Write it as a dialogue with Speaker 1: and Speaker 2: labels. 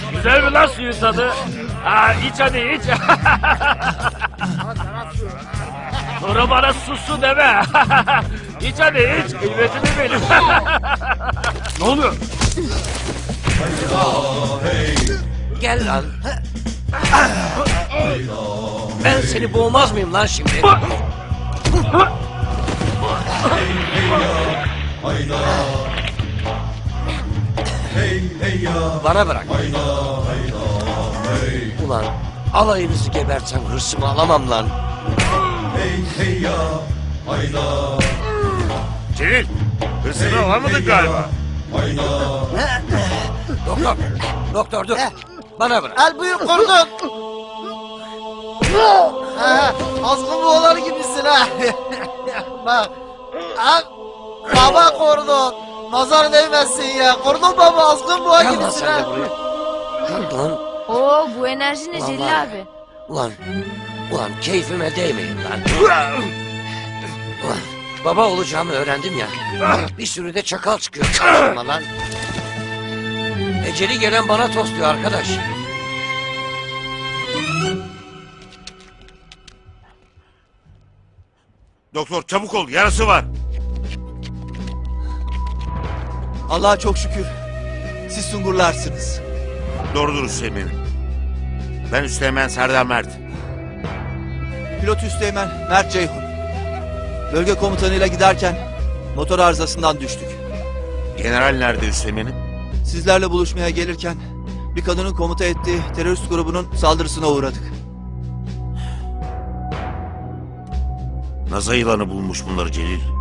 Speaker 1: Güzel mi lan suyun tadı? Ha, iç hadi iç. Sonra bana susu deme. İç hadi iç. Kıymetimi benim. Ne oluyor?
Speaker 2: Gel lan. Ben seni boğmaz mıyım lan şimdi? Bana bırak. Ulan alayınızı gebertsem hırsımı alamam lan.
Speaker 1: Celil, hırsını alamadın galiba.
Speaker 2: Doktor, doktor dur. Bana bırak.
Speaker 3: El buyur kordon. Azgın boğaları gibisin ha. Bak. Ha, baba kordon. Nazar değmesin ya. Kordon baba azgın boğa
Speaker 2: Gel lan
Speaker 3: gibisin
Speaker 2: sen de
Speaker 3: ha.
Speaker 2: buraya. Ulan,
Speaker 4: Oo bu enerji ne Celil
Speaker 2: Vallahi.
Speaker 4: abi?
Speaker 2: ulan keyfime değmeyin lan. Ulan baba olacağımı öğrendim ya. Bir sürü de çakal çıkıyor karşıma lan. Eceli gelen bana tosluyor arkadaş.
Speaker 1: Doktor çabuk ol, yarası var.
Speaker 5: Allah'a çok şükür. Siz Sungurlarsınız.
Speaker 1: Doğrudur Hüseyin'im. Ben Üsteğmen Serdar Mert.
Speaker 5: Pilot Üsteğmen Mert Ceyhun. Bölge komutanıyla giderken motor arızasından düştük.
Speaker 1: General nerede Hüseyin'im?
Speaker 5: Sizlerle buluşmaya gelirken bir kadının komuta ettiği terörist grubunun saldırısına uğradık.
Speaker 1: Naza yılanı bulmuş bunları Celil.